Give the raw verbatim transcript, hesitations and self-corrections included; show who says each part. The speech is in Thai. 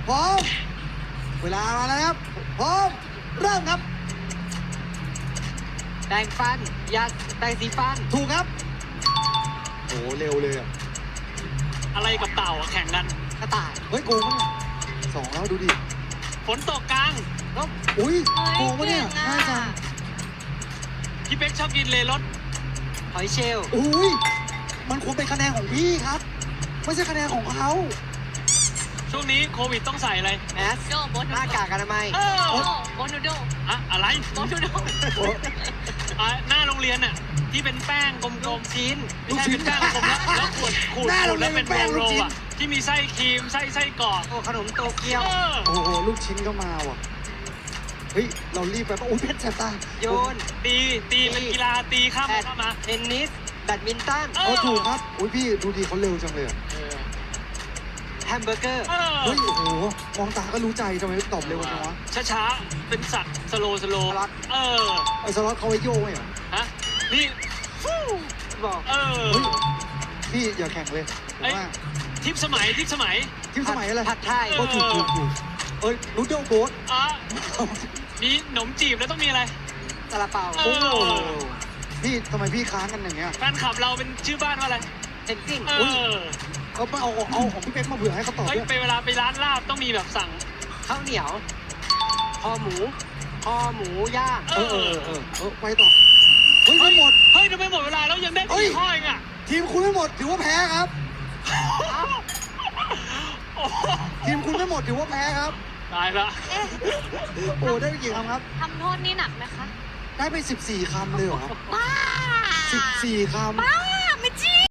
Speaker 1: พร้อมเวลามาแล้วครับพร้อมเริ่มครับ
Speaker 2: แปรงฟันยาแปรงสีฟัน
Speaker 1: ถูกครับโอ้เร็วเลยอ่ะ
Speaker 3: อะไรกับเต่าอะแข่งกัน
Speaker 2: กระต่าย
Speaker 1: เฮ้ยโกงมั้งสองแล้วดูดิ
Speaker 3: ฝนตกกลาง
Speaker 2: นก
Speaker 1: อุ้ย
Speaker 4: เฮ้ย
Speaker 1: โกงปะเนี่ย
Speaker 4: เก่งอะ
Speaker 1: ง่ายจัง
Speaker 3: พี่เป๊กชอบกินเลรส
Speaker 2: หอยเชลล์
Speaker 1: อุ้ยมันควรเป็นคะแนนของพี่ครับ ไม่ใช่คะแนนของเขา
Speaker 3: ช่วงนี้โควิดต้องใส่อะไร
Speaker 2: แมส
Speaker 4: โดโบน
Speaker 2: หน้ากากอนามัย
Speaker 3: เออ
Speaker 4: โดโบนโด
Speaker 3: อะอะไร
Speaker 4: โบนโด
Speaker 1: โอ้
Speaker 3: อ่ะหน้าโรงเรียนน่ะที่เป็นแป้งกล
Speaker 2: ลู
Speaker 3: ม
Speaker 2: กชิ้น
Speaker 3: ๆไม่ใช่เป็นแป้งกลมๆแล้วแล้วขูดขูด
Speaker 1: หน้า
Speaker 3: ขู
Speaker 1: โร
Speaker 3: ด
Speaker 1: งเรี
Speaker 3: แล้
Speaker 1: ยน
Speaker 3: ว
Speaker 1: เป็
Speaker 3: เป็น น
Speaker 1: แป้ง
Speaker 3: โร
Speaker 1: ลูก
Speaker 3: ล
Speaker 1: ชิ้น
Speaker 3: อ่ะที่มีไส้ครีมไส้ไส้กรอก
Speaker 2: โอ้ขนมโตเกียว
Speaker 3: เออ
Speaker 1: โอ้โหลูกชิ้นก็มาว่ะเฮ้ยเรารีบไปปะโอ้ยเพชรแสบตา
Speaker 2: โยน
Speaker 3: ตีตีเป็นกีฬาตีข้าม
Speaker 2: แบ
Speaker 3: ไป
Speaker 2: ด
Speaker 3: ข้ามมา
Speaker 2: เทนนิสแบดมินตัน
Speaker 3: เอ
Speaker 1: เออถูกครับอุ้ยพี่ดูดีเขาเร็วจังเลยอะ
Speaker 2: แฮมเบอร์เกอร์
Speaker 3: เออ
Speaker 1: เฮ้ยโอ้โหมองตาก็รู้ใจทำไมตอบเร็วจังวะ
Speaker 3: ช้าๆเป็นสัตว์สโลสโล
Speaker 2: สล็อต
Speaker 3: เออ
Speaker 1: ไอ้สล็อตเขาไว้โยกไหมเหรอ
Speaker 3: ฮะนี่ฟู่
Speaker 2: บอก
Speaker 3: เออ
Speaker 1: เฮ้ยพี่อย่าแข่งเลยผม
Speaker 3: เอ้ย
Speaker 1: ว่า
Speaker 3: ทิพย์สมัยทิพย์สมัย
Speaker 1: ทีมสมัยอะไร
Speaker 2: ผัดไทย
Speaker 1: โอ้ถูกถูกถูกเอ้ยนูโดลโบ๊ท
Speaker 3: อ่ะมีหนมจีบแล้วต้องมีอะไร
Speaker 2: ซาลาเปา
Speaker 3: เอ
Speaker 1: โอ้
Speaker 3: อ
Speaker 1: โหพี่ทำไมพี่ค้างกันอย่างเงี้ย
Speaker 3: แฟนคลับเราเป็นชื่อบ้านว่าอะไร
Speaker 2: เทนซิ่ง
Speaker 3: เออ
Speaker 1: เอาไปเอาเอาเอาของพี่เป๊กมาเผื่อให้เขาตอบ
Speaker 3: เฮ้ย
Speaker 1: ด้วย
Speaker 3: ไปเวลาไปร้านลาบต้องมีแบบสั่ง
Speaker 2: ข้าวเหนียวคอหมูคอหมูย่าง
Speaker 1: เออเออเออเออไปต่อเฮ้ยไม่หมด
Speaker 3: เฮ้ยทำไมหมดเวลาแล้วยังได้
Speaker 1: เฮ้ย
Speaker 3: สี่ข้อเองอ่ะ
Speaker 1: ทีมคุณไม่หมดถือว่าแพ้ครับ
Speaker 3: โอ้โห
Speaker 1: ทีมคุณไม่หมดถือว่าแพ้ครับ
Speaker 3: ตายละ
Speaker 4: เอ๊ะ
Speaker 1: โอ้ได้ไปกี่คำครับ
Speaker 4: ทำโทษนี่หนักไหมคะ
Speaker 1: ได้ไปสิบสี่คำเลยเหรอ
Speaker 4: บ้า
Speaker 1: สิบสี่คำ
Speaker 4: บ้าไม่จริง